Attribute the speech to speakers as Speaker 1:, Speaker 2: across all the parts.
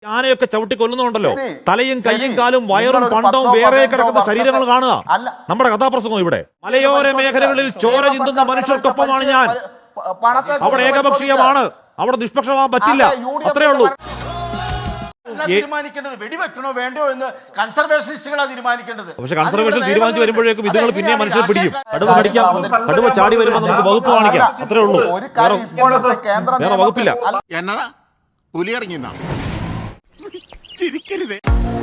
Speaker 1: ആനയൊക്കെ ചവിട്ടി കൊല്ലുന്നുണ്ടല്ലോ. തലയും കയ്യും കാലും വയറും പണ്ടവും വേറെ കിടക്കുന്ന ശരീരങ്ങൾ കാണുക. നമ്മുടെ കഥാപ്രസംഗം ഇവിടെ മലയോര മേഖലകളിൽ ചോര ചിന്തുന്ന മനുഷ്യർക്കൊപ്പമാണ് ഞാൻ. അവിടെ ഏകപക്ഷീയമാണ്, അവിടെ നിഷ്പക്ഷമാവാൻ പറ്റില്ല. അത്രേ ഉള്ളൂ.
Speaker 2: തീരുമാനിക്കേണ്ടത് വെടിവെക്കണോ വേണ്ടോ എന്ന് കൺസർവേഷനിസ്റ്റുകളാണ് തീരുമാനിക്കേണ്ടത്.
Speaker 1: പക്ഷെ കൺസർവേഷൻ തീരുമാനിച്ചു വരുമ്പോഴേക്കും ഇതുങ്ങൾ പിന്നെ മനുഷ്യരെ പിടിക്കും. കടുവ ചാടി വരുമ്പോൾ നമുക്ക് വകുപ്പ് കാണിക്കാം. അത്രേ ഉള്ളൂ. വേറെ വകുപ്പില്ല.
Speaker 3: എന്നതാ പുലി ഇറങ്ങിയ ചിരിക്കരുതേ.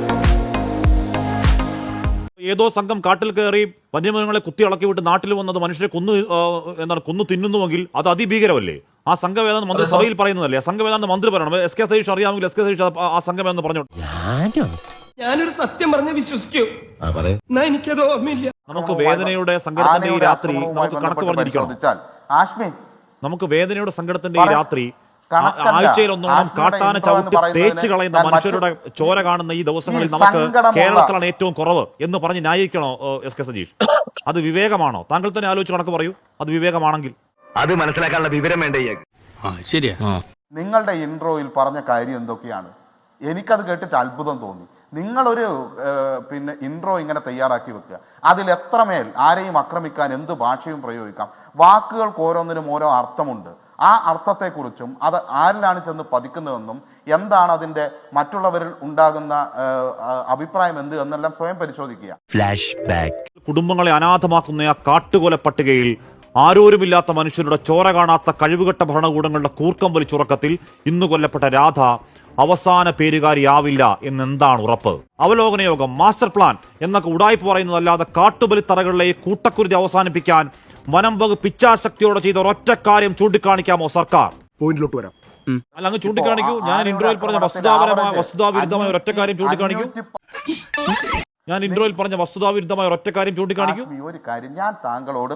Speaker 1: ഏതോ സംഘം കാട്ടിൽ കയറി വന്യമൃഗങ്ങളെ കുത്തി ഇളക്കി വിട്ട് നാട്ടിൽ വന്നത് മനുഷ്യരെ കൊന്നു തിന്നുന്നുവെങ്കിൽ അത് അതിഭീകരമല്ലേ? ആ സംഘവേദന മന്ത്രി സഭയിൽ പറയുന്നതല്ലേ? സംഘവേദന മന്ത്രി പറയണം. എസ് കെ സതീഷ് അറിയാമെങ്കിൽ എസ് കെ സതീഷ് ആ സംഘവേദന പറഞ്ഞു.
Speaker 4: ഞാനൊരു സത്യം പറഞ്ഞ് വിശ്വസിക്കൂ. എനിക്കത് ഓർമ്മയില്ല.
Speaker 1: നമുക്ക് വേദനയുടെ സങ്കടത്തിന്റെ ഈ രാത്രി നമുക്ക് കണക്ക് പറഞ്ഞിരിക്കണം. നമുക്ക് വേദനയുടെ സങ്കടത്തിന്റെ ഈ രാത്രി ആഴ്ചയിൽ ഒന്നോണം കാട്ടാന ചവിട്ടി തേച്ച് കളയുന്ന മനുഷ്യരുടെ ചോര കാണുന്ന ഈ ദിവസങ്ങളിൽ നമുക്ക് കേരളത്തിലാണ് ഏറ്റവും കുറവ് എന്ന് പറഞ്ഞ് ന്യായീകരിക്കണോ എസ് കെ സതീഷ്? അത് വിവേകമാണോ? താങ്കൾ തന്നെ ആലോചിച്ച് കണക്ക് പറയൂ. അത് വിവേകമാണെങ്കിൽ അത് മനസ്സിലാക്കാനുള്ള വിവരം വേണ്ടേ?
Speaker 3: ശരിയാ.
Speaker 5: നിങ്ങളുടെ ഇൻട്രോയിൽ പറഞ്ഞ കാര്യം എന്തൊക്കെയാണ്? എനിക്കത് കേട്ടിട്ട് അത്ഭുതം തോന്നി. നിങ്ങളൊരു ഇൻട്രോ ഇങ്ങനെ തയ്യാറാക്കി വെക്കുക. അതിൽ എത്രമേൽ ആരെയും ആക്രമിക്കാൻ എന്ത് ഭാഷയും പ്രയോഗിക്കാം. വാക്കുകൾക്ക് ഓരോന്നിനും ഓരോ അർത്ഥമുണ്ട്. ആ അർത്ഥത്തെക്കുറിച്ചും അത് ആരിലാണ് ചെന്ന് പതിക്കുന്നതെന്നും എന്താണ് അതിന്റെ മറ്റുള്ളവരിൽ ഉണ്ടാകുന്ന അഭിപ്രായം എന്ത് എന്നെല്ലാം സ്വയം പരിശോധിക്കുക.
Speaker 1: Flashback. കുടുംബങ്ങളെ അനാഥമാക്കുന്ന ആ കാട്ടുകൊല പട്ടികയിൽ ആരോരുമില്ലാത്ത മനുഷ്യരുടെ ചോര കാണാത്ത കഴിവുകെട്ട ഭരണകൂടങ്ങളുടെ കൂർക്കം വലിച്ചുറക്കത്തിൽ ഇന്ന് കൊല്ലപ്പെട്ട രാധ അവസാന പേരുകാരിയാവില്ല എന്നെന്താണ് ഉറപ്പ്? അവലോകന യോഗം, മാസ്റ്റർ പ്ലാൻ എന്നൊക്കെ ഉടായ്പ പറയുന്നതല്ലാതെ കാട്ടുബലിത്തറകളിലെ കൂട്ടക്കുരുതി അവസാനിപ്പിക്കാൻ വനം വകുപ്പ് ഇച്ഛാശക്തിയോടെ ചെയ്ത ഒരൊറ്റ കാര്യം ചൂണ്ടിക്കാണിക്കാമോ സർക്കാർ?
Speaker 3: പോയിന്റിലോട്ട് വരാം.
Speaker 1: അല്ല, അങ്ങ് ചൂണ്ടിക്കാണിക്കൂ. ഞാൻ ഇൻട്രോയിൽ പറഞ്ഞ വസ്തുതാവിരുദ്ധമായ ഒരൊറ്റ കാര്യം ചൂണ്ടിക്കാണിക്കൂ. ഞാൻ ഇൻട്രോയിൽ പറഞ്ഞ വസ്തുതാവിരുദ്ധമായ ഒരൊറ്റ കാര്യം ചൂണ്ടിക്കാണിക്കൂ.
Speaker 5: ഒരു കാര്യം, ഞാൻ താങ്കളോട്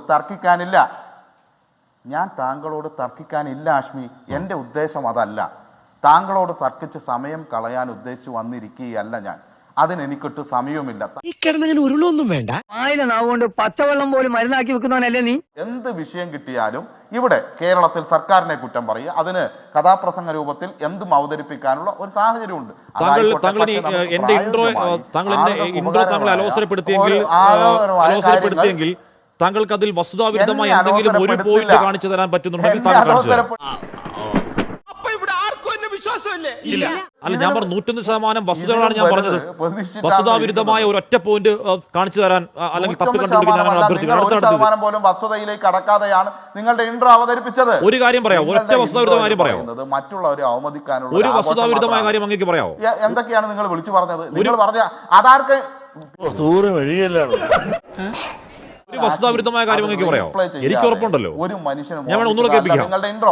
Speaker 5: തർക്കിക്കാനില്ല ആഷ്മി. എന്റെ ഉദ്ദേശം അതല്ല. താങ്കളോട് തർക്കിച്ച് സമയം കളയാൻ ഉദ്ദേശിച്ചു വന്നിരിക്കുകയല്ല ഞാൻ. അതിനെനിക്കൊട്ട് സമയവുമില്ല.
Speaker 4: ഉരുളൊന്നും വേണ്ട. നാവുകൊണ്ട് പച്ചവെള്ളം പോലും മരുന്നാക്കി വെക്കുന്നവനല്ലേ നീ?
Speaker 5: എന്ത് വിഷയം കിട്ടിയാലും ഇവിടെ കേരളത്തിൽ സർക്കാരിനെ കുറ്റം പറയുക, അതിന് കഥാപ്രസംഗ രൂപത്തിൽ എന്തും അവതരിപ്പിക്കാനുള്ള ഒരു സാഹചര്യമുണ്ട്.
Speaker 1: എന്റെ ഇൻട്രോ താങ്കൾ അലോസരപ്പെടുത്തിയെങ്കിൽ താങ്കൾക്ക് അതിൽ വസ്തുതാവിരുദ്ധമായി എന്തെങ്കിലും ഒരു പോയിന്റ് കാണിച്ചു തരാൻ പറ്റുന്നുണ്ടെങ്കിൽ താങ്കൾ കാണിച്ചു തരാം. അല്ല, ഞാൻ പറഞ്ഞു 101% വസ്തുതകളാണ് ഞാൻ പറഞ്ഞത്. വസ്തുതാവിരുദ്ധമായ ഒരൊറ്റ പോയിന്റ് കാണിച്ചു തരാൻ അല്ലെങ്കിൽ
Speaker 5: വസ്തുതയിലേക്ക് കടക്കാതെയാണ് നിങ്ങളുടെ ഇൻട്രോ അവതരിപ്പിച്ചത്.
Speaker 1: ഒരു കാര്യം പറയാം, ഒരൊറ്റ വസ്തുതാവിരുദ്ധമായ കാര്യം പറയാം.
Speaker 5: മറ്റുള്ളവരെ അവമതിക്കാനുള്ള
Speaker 1: ഒരു വസ്തുതാവിരുദ്ധമായ കാര്യം അങ്ങേക്ക് പറയാമോ?
Speaker 5: എന്തൊക്കെയാണ് നിങ്ങൾ വിളിച്ചു പറഞ്ഞത്? നിങ്ങൾ പറഞ്ഞ അതാർക്ക്
Speaker 1: ഒരു വസ്തുതാവിരുദ്ധമായ കാര്യം അങ്ങേക്ക് പറയാമോ? എനിക്ക് ഉറപ്പുണ്ടല്ലോ.
Speaker 5: ഒരു മനുഷ്യനും
Speaker 1: ഞാൻ വേണം ഒന്നുകൂടെ കേൾപ്പിക്കാം.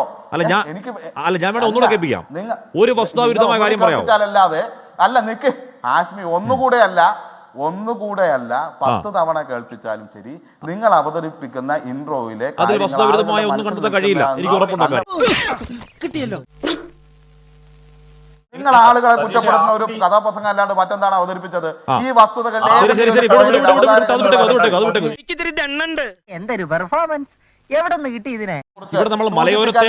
Speaker 1: ഒരു വസ്തുതാവിരുദ്ധമായ കാര്യം പറയാമോ?
Speaker 5: അല്ല, നിക്ക് ആഷ്മി, ഒന്നുകൂടെ അല്ല 10 തവണ കേൾപ്പിച്ചാലും ശരി, നിങ്ങൾ അവതരിപ്പിക്കുന്ന ഇൻട്രോയിലെ
Speaker 1: അതിൽ വസ്തുതാവിരുദ്ധമായ ഒന്നും കണ്ടെത്താൻ കഴിയില്ല. എനിക്ക് ഉറപ്പുണ്ടാക്കാൻ.
Speaker 5: നിങ്ങൾ ആളുകളെ കുറ്റപ്പെടുത്തുന്ന ഒരു കഥാപ്രസംഗം അല്ലാണ്ട് മറ്റെന്താണ് അവതരിപ്പിച്ചത്? ഈ വസ്തുതകൾ
Speaker 4: എന്തൊരു പെർഫോമൻസ്! എവിടെ നിന്ന് കിട്ടി ഇതിനെ?
Speaker 1: ഇവിടെ നമ്മൾ മലയോരത്തെ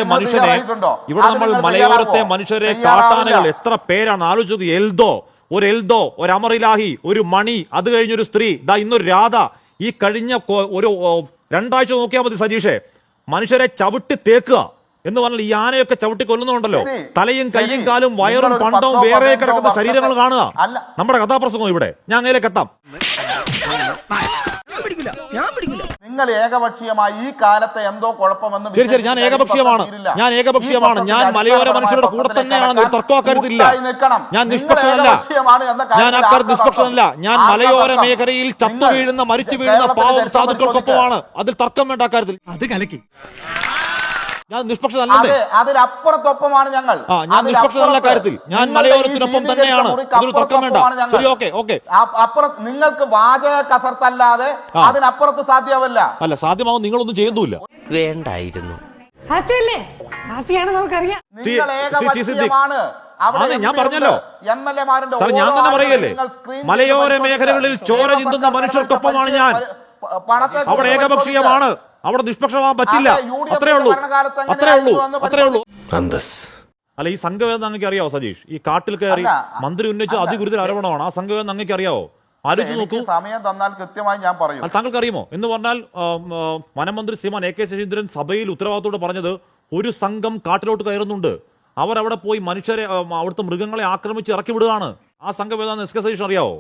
Speaker 1: മനുഷ്യരെ കാട്ടാനകൾ എത്ര പേരാണ് ആലോചിച്ചത്. ഒരു എൽദോ, ഒരു അമറിലാഹി, ഒരു മണി, അത് കഴിഞ്ഞൊരു സ്ത്രീ, ഇന്നൊരു രാധ. ഈ കഴിഞ്ഞ ഒരു 2 ആഴ്ച നോക്കിയാൽ മതി സജീഷേ, മനുഷ്യരെ ചവിട്ടി തേക്കുക എന്ന് പറഞ്ഞാൽ ഈ ആനയൊക്കെ ചവിട്ടി കൊല്ലുന്നുണ്ടല്ലോ. തലയും കയ്യും കാലും വയറും പണ്ടവും വേറെ കിടക്കുന്ന ശരീരങ്ങൾ കാണുക. നമ്മുടെ കഥാപ്രസംഗം ഇവിടെ. ഞാൻ അങ്ങയിലേക്ക് എത്താം.
Speaker 5: നിങ്ങൾ ഏകപക്ഷീയമായി ഈ കാലത്തെ എന്തോ കുഴപ്പമെന്ന്.
Speaker 1: ശരി, ഞാൻ ഏകപക്ഷീയമാണ്. ഞാൻ മലയോര മനുഷ്യരുടെ കൂടെ തന്നെയാണ്. തർക്കം അക്കാര്യത്തിലില്ല. ഞാൻ നിഷ്പക്ഷനല്ല. ഞാൻ മലയോര മേഖലയിൽ ചത്തു വീഴുന്ന, മരിച്ചു വീഴുന്ന പാവം സാധുക്കൾക്കൊപ്പമാണ്. അതിൽ തർക്കം വേണ്ട അക്കാര്യത്തിൽ. ഞാൻ നിഷ്പക്ഷനല്ലേ?
Speaker 5: അതിലപ്പുറത്തൊപ്പമാണ് ഞങ്ങൾ.
Speaker 1: ഞാൻ നിഷ്പക്ഷനല്ല കാര്യത്തിൽ. ഞാൻ മലയോരത്തിനൊപ്പം തന്നെയാണ്. അതൊരു തർക്കം വേണ്ട. ശരി, ഓക്കെ.
Speaker 5: അപ്പുറത്ത് നിങ്ങൾക്ക് വാചക കസർത്തല്ലാതെ അതിനപ്പുറത്ത് സാധ്യമല്ല.
Speaker 1: അല്ല, സാധ്യമാവും. നിങ്ങളൊന്നും ചെയ്യുന്നില്ല.
Speaker 6: വേണ്ടായിരുന്നു.
Speaker 1: ഞാൻ പറഞ്ഞല്ലോ, ഞാൻ തന്നെ പറയല്ലേ, മലയോര മേഖലകളിൽ ചോര ചിന്തുന്ന മനുഷ്യർക്കൊപ്പമാണ് ഞാൻ. അവിടെ ഏകപക്ഷീയമാണ്, അവിടെ നിഷ്പക്ഷമാവാൻ പറ്റില്ല. അത്രേ ഉള്ളൂ. അല്ല, ഈ സംഘവേദന അങ്ങക്ക് അറിയാവോ സജീഷ്? ഈ കാട്ടിൽ കയറി
Speaker 5: അല്ല,
Speaker 1: മന്ത്രി ഉന്നയിച്ച അതിഗുരുതര ആരോപണമാണ്. ആ സംഘവേദന അങ്ങക്ക് അറിയാവോ? ആലോചിച്ച് നോക്കൂ.
Speaker 5: സമയം തന്നാൽ കൃത്യമായി ഞാൻ പറയും.
Speaker 1: താങ്കൾക്ക് അറിയുമോ? എന്ന് പറഞ്ഞാൽ വനമന്ത്രി ശ്രീമാൻ AK ശശീന്ദ്രൻ സഭയിൽ ഉത്തരവാദിത്തോടെ പറഞ്ഞത് ഒരു സംഘം കാട്ടിലോട്ട് കയറുന്നുണ്ട്, അവരവിടെ പോയി മനുഷ്യരെ അവിടുത്തെ മൃഗങ്ങളെ ആക്രമിച്ച് ഇറക്കി വിടുകയാണ്. ആ സംഘവേദന SK സതീഷ് അറിയാവോ?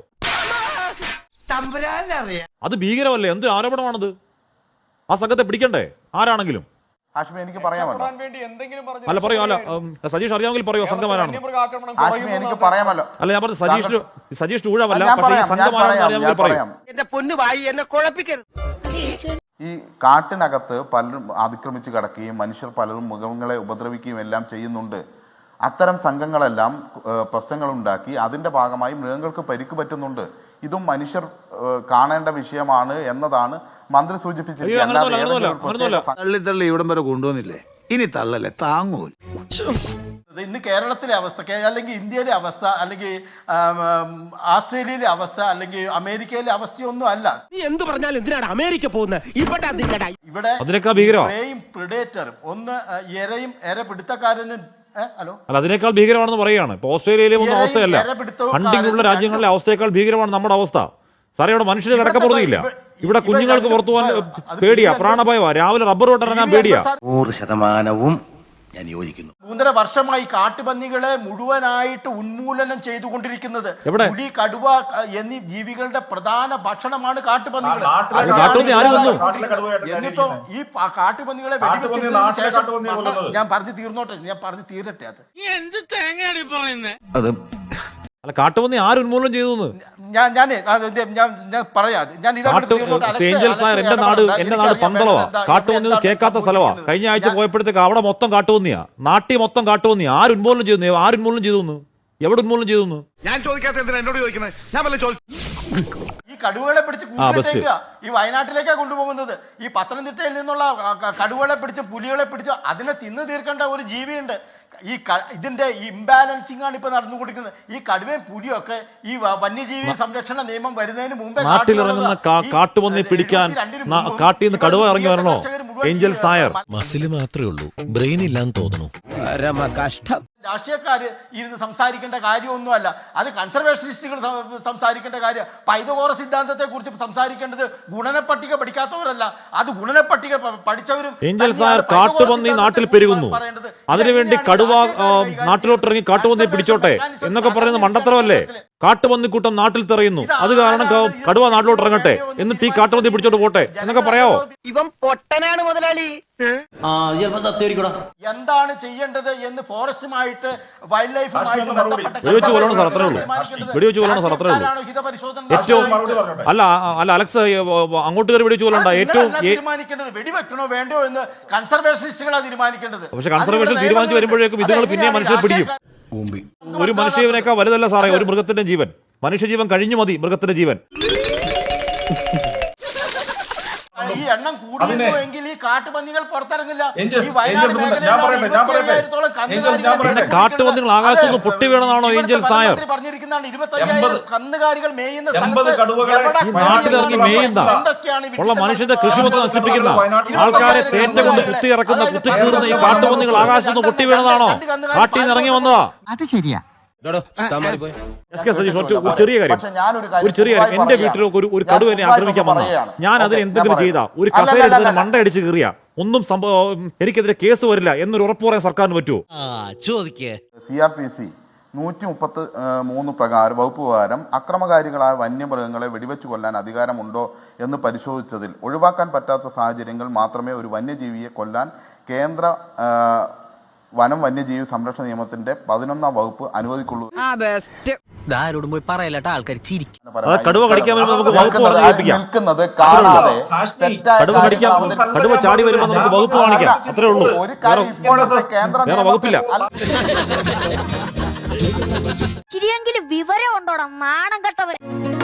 Speaker 1: അത് ഭീകരമല്ലേ? എന്ത് ആരോപണമാണത്? ആ സംഘത്തെ പിടിക്കണ്ടേ ആരാണെങ്കിലും?
Speaker 5: ഹാഷ്മി എനിക്ക് പറയാമല്ലോ.
Speaker 1: അല്ല പറയൂ. അല്ല സജീഷ് അറിയാമെങ്കിൽ പറയൂ സംഘമാരാണ്.
Speaker 5: ഹാഷ്മി എനിക്ക് പറയാമല്ലോ.
Speaker 1: അല്ല ഞാൻ പറഞ്ഞു സജീഷ് ഊഴമല്ല, പക്ഷേ ഈ സംഘമാരാണെന്ന് അറിയാമെങ്കിൽ പറയൂ.
Speaker 4: എന്റെ പൊന്നു വായി എന്നെ കുഴപ്പിക്കരുത്.
Speaker 5: ഈ കാട്ടിനകത്ത് പലരും അതിക്രമിച്ച് കിടക്കുകയും മനുഷ്യർ പലരും മൃഗങ്ങളെ ഉപദ്രവിക്കുകയും എല്ലാം ചെയ്യുന്നുണ്ട്. അത്തരം സംഘങ്ങളെല്ലാം പ്രശ്നങ്ങൾ ഉണ്ടാക്കി അതിന്റെ ഭാഗമായി മൃഗങ്ങൾക്ക് പരിക്ക് പറ്റുന്നുണ്ട്. ഇതും മനുഷ്യർ കാണേണ്ട വിഷയമാണ് എന്നതാണ് മന്ത്രി സൂചിപ്പിച്ചിരിക്കുന്നത്.
Speaker 3: തള്ളി ഇവിടം വരെ കൊണ്ടുവന്നില്ലേ, ഇനി തള്ളല്ലേ താങ്ങൂൽ.
Speaker 2: ഇന്ന് കേരളത്തിലെ അവസ്ഥ, അല്ലെങ്കിൽ ഇന്ത്യയിലെ അവസ്ഥ, അല്ലെങ്കിൽ ആസ്ട്രേലിയയിലെ അവസ്ഥ, അല്ലെങ്കിൽ അമേരിക്കയിലെ അവസ്ഥയൊന്നും അല്ല.
Speaker 6: നീ എന്ത് പറഞ്ഞാലും എന്തിനാണ് അമേരിക്ക പോകുന്നത്?
Speaker 2: ഇവിടെ പ്രിഡേറ്ററും ഒന്ന് ഇരയും പിടുത്തക്കാരനും ഹലോ
Speaker 1: അല്ല അതിനേക്കാൾ ഭീകരമാണെന്ന് പറയുകയാണ്. ഇപ്പൊ ഓസ്ട്രേലിയയിലെ ഒന്നും അവസ്ഥയല്ല, ഹണ്ടിങ്ങുള്ള രാജ്യങ്ങളിലെ അവസ്ഥയേക്കാൾ ഭീകരമാണ് നമ്മുടെ അവസ്ഥ. സാറേ ഇവിടെ മനുഷ്യന് കിടക്കപ്പുറത്തില്ല, ഇവിടെ കുഞ്ഞുങ്ങൾക്ക് പുറത്തു പോകാൻ പേടിയാ, പ്രാണഭയമാ, രാവിലെ റബ്ബർ വെട്ടിറങ്ങാൻ പേടിയാ.
Speaker 6: 100% ഞാൻ യോജിക്കുന്നു.
Speaker 2: 3.5 വർഷമായി കാട്ടുപന്നികളെ മുഴുവനായിട്ട് ഉന്മൂലനം ചെയ്തുകൊണ്ടിരിക്കുന്നത്. പുലി, കടുവ എന്നീ ജീവികളുടെ പ്രധാന ഭക്ഷണമാണ് കാട്ടുപന്നികൾ. എന്നിട്ടോ ഈ കാട്ടുപന്നികളെ വെടിവെച്ചതിന് ശേഷം ഞാൻ പറഞ്ഞു തീരട്ടെ.
Speaker 1: അത് അല്ല, കാട്ടുപന്നി ആര് ഉന്മൂലനം ചെയ്തു?
Speaker 2: ഞാൻ പറയാം.
Speaker 1: എന്റെ നാട് പന്തളവാ, കാട്ടുപന്നി കേൾക്കാത്ത സ്ഥലവാ. കഴിഞ്ഞ ആഴ്ച പോയപ്പോഴത്തേക്ക് അവിടെ മൊത്തം കാട്ടുപന്നിയാ, നാട്ടിൽ മൊത്തം കാട്ടുപന്നിയാ. ആര് ഉന്മൂലനം ചെയ്തു? എവിടെ ഉന്മൂലനം ചെയ്തു?
Speaker 3: ഞാൻ ചോദിക്കാത്ത എന്നോട് ചോദിക്കുന്നത്? ഞാൻ
Speaker 2: ഈ കടുവകളെ പിടിച്ച് കൂട്ടിലേക്ക് ഈ വയനാട്ടിലേക്കാണ് കൊണ്ടുപോകുന്നത്. ഈ പത്തനംതിട്ടയിൽ നിന്നുള്ള കടുവകളെ പിടിച്ച്, പുലികളെ പിടിച്ച് അതിനെ തിന്നു തീർക്കേണ്ട ഒരു ജീവിയുണ്ട്. ഇതിന്റെ ഇംബാലൻസിംഗ് ആണ് ഇപ്പൊ നടന്നുകൊണ്ടിരിക്കുന്നത്. ഈ കടുവയും പുലിയൊക്കെ ഈ വന്യജീവി സംരക്ഷണ നിയമം വരുന്നതിന് മുമ്പേ
Speaker 1: നാട്ടിലിറങ്ങുന്ന കാട്ടുപന്നി പിടിക്കാൻ കാട്ടിൽ നിന്ന് കടുവ ഇറങ്ങി വരണോ? ഏഞ്ചൽസ് നായർ
Speaker 7: മസിൽ മാത്രമേ ഉള്ളൂ, ബ്രെയിൻ ഇല്ലാന്ന് തോന്നുന്നു.
Speaker 6: കഷ്ടം.
Speaker 2: രാഷ്ട്രീയക്കാര് ഇരുന്ന് സംസാരിക്കേണ്ട കാര്യമൊന്നുമല്ല, അത് കൺസർവേഷനിസ്റ്റുകൾ സംസാരിക്കേണ്ട കാര്യം. പൈതഗോറ സിദ്ധാന്തത്തെ കുറിച്ച് സംസാരിക്കേണ്ടത് ഗുണനപ്പട്ടിക പഠിക്കാത്തവരല്ല, അത് ഗുണനപ്പട്ടിക പഠിച്ചവരും.
Speaker 1: ഏഞ്ചൽസ് നായർ കാട്ടുപന്നി നാട്ടിൽ പെരുകുന്നു, അതിനുവേണ്ടി കടുവ നാട്ടിലോട്ടിറങ്ങി കാട്ടുപന്നി പിടിച്ചോട്ടെ എന്നൊക്കെ പറയുന്നത് മണ്ടത്തരമല്ലേ? കാട്ടുപന്നിക്കൂട്ടം നാട്ടിൽ തെറയുന്നു, അത് കാരണം കടുവ നാട്ടിലോട്ട് ഇറങ്ങട്ടെ, എന്നിട്ട് ഈ കാട്ടുപന്നി പിടിച്ചോട്ട് പോട്ടെ എന്നൊക്കെ പറയാവോ?
Speaker 4: ഇവൻ പൊട്ടനാണ് മുതലാളി.
Speaker 2: എന്താണ് ചെയ്യേണ്ടത് എന്ന് ഫോറസ്റ്റുമായിട്ട് വൈൽഡ് ലൈഫുമായിട്ട് ബന്ധപ്പെട്ട
Speaker 1: അല്ല അലക്സ് അങ്ങോട്ട് കയറി വെടിവെച്ച് കൊല്ലണ്ട. ഏറ്റവും
Speaker 2: തീരുമാനിക്കേണ്ടത് വെടിവെക്കണോ വേണ്ടോ എന്ന് കൺസർവേഷനിസ്റ്റുകളാണ് തീരുമാനിക്കേണ്ടത്.
Speaker 1: പക്ഷെ കൺസർവേഷൻ തീരുമാനിച്ചു വരുമ്പോഴേക്കും ഇതുങ്ങൾ പിന്നെ മനുഷ്യരെ പിടിക്കും. ഒരു മനുഷ്യജീവനേക്കാൾ വലുതല്ല സാറേ ഒരു മൃഗത്തിന്റെ ജീവൻ. മനുഷ്യജീവൻ കഴിഞ്ഞു മതി മൃഗത്തിന്റെ ജീവൻ.
Speaker 2: ഈ എണ്ണം കൂടിയെങ്കിൽ ഈ കാട്ടുപന്നികൾ പുറത്തിറങ്ങില്ല.
Speaker 1: പിന്നെ കാട്ടുപന്നികൾ ആകാശത്ത് നിന്ന് പൊട്ടി വീണെന്നാണോ ഏഞ്ചൽസ് നായർ
Speaker 2: പറഞ്ഞിരിക്കുന്നതാണ്? 25,000 കന്നുകാലികൾ മേയുന്ന
Speaker 1: നാട്ടിലിറങ്ങി മേയുന്ന ഉള്ള മനുഷ്യന്റെ കൃഷി മൊത്തം നശിപ്പിക്കുന്ന ആൾക്കാരെ തേറ്റ കൊണ്ട് കുത്തി ഇറക്കുന്ന കുത്തി കീറുന്ന ഈ കാട്ടുപന്നികൾ ആകാശത്ത് നിന്ന് പൊട്ടി വീണതാണോ? കാട്ടിൽ നിന്ന് ഇറങ്ങി വന്നതാ?
Speaker 4: അത് ശരിയാ.
Speaker 1: ചെറിയ കാര്യം, എന്റെ വീട്ടിലൊക്കെ ഒരു കടുവനെ ആക്രമിക്കാൻ വന്ന ഞാൻ അതിന് എന്തെങ്കിലും ചെയ്താ, ഒരു കസേര എടുത്തതിന് മണ്ട അടിച്ച് കീറിയ ഒന്നും എനിക്കെതിരെ കേസ് വരില്ല എന്നൊരു ഉറപ്പ് പറയാൻ സർക്കാരിന് പറ്റുമോ?
Speaker 5: CRPC 133 പ്രകാരം വകുപ്പ് പ്രകാരം അക്രമകാരികളായ വന്യമൃഗങ്ങളെ വെടിവെച്ച് കൊല്ലാൻ അധികാരമുണ്ടോ എന്ന് പരിശോധിച്ചതിൽ ഒഴിവാക്കാൻ പറ്റാത്ത സാഹചര്യങ്ങൾ മാത്രമേ ഒരു വന്യജീവിയെ കൊല്ലാൻ കേന്ദ്ര വനം വന്യജീവി സംരക്ഷണ നിയമത്തിന്റെ 11ാം വകുപ്പ് അനുവദിക്കുള്ളൂ.
Speaker 4: പോയി പറയലട്ട ആൾക്കാർ ചിരിക്കും.
Speaker 1: കടുവ കടിക്കാൻ വരുമ്പോൾ നമുക്ക് വകുപ്പ്
Speaker 5: നിൽക്കുന്നത് കാണാതെ
Speaker 1: കടുവ ചാടി വരുമ്പോൾ നമുക്ക് വകുപ്പ് കാണിക്കാം, അത്രേ ഉള്ളൂ.
Speaker 5: ഒരു കാര്യം ഇപ്പോഴത്തെ കേന്ദ്ര
Speaker 1: വകുപ്പില്ല.
Speaker 8: ചിരിയെങ്കിലും വിവരം ഉണ്ടോടാ നാണം കെട്ടവരെ.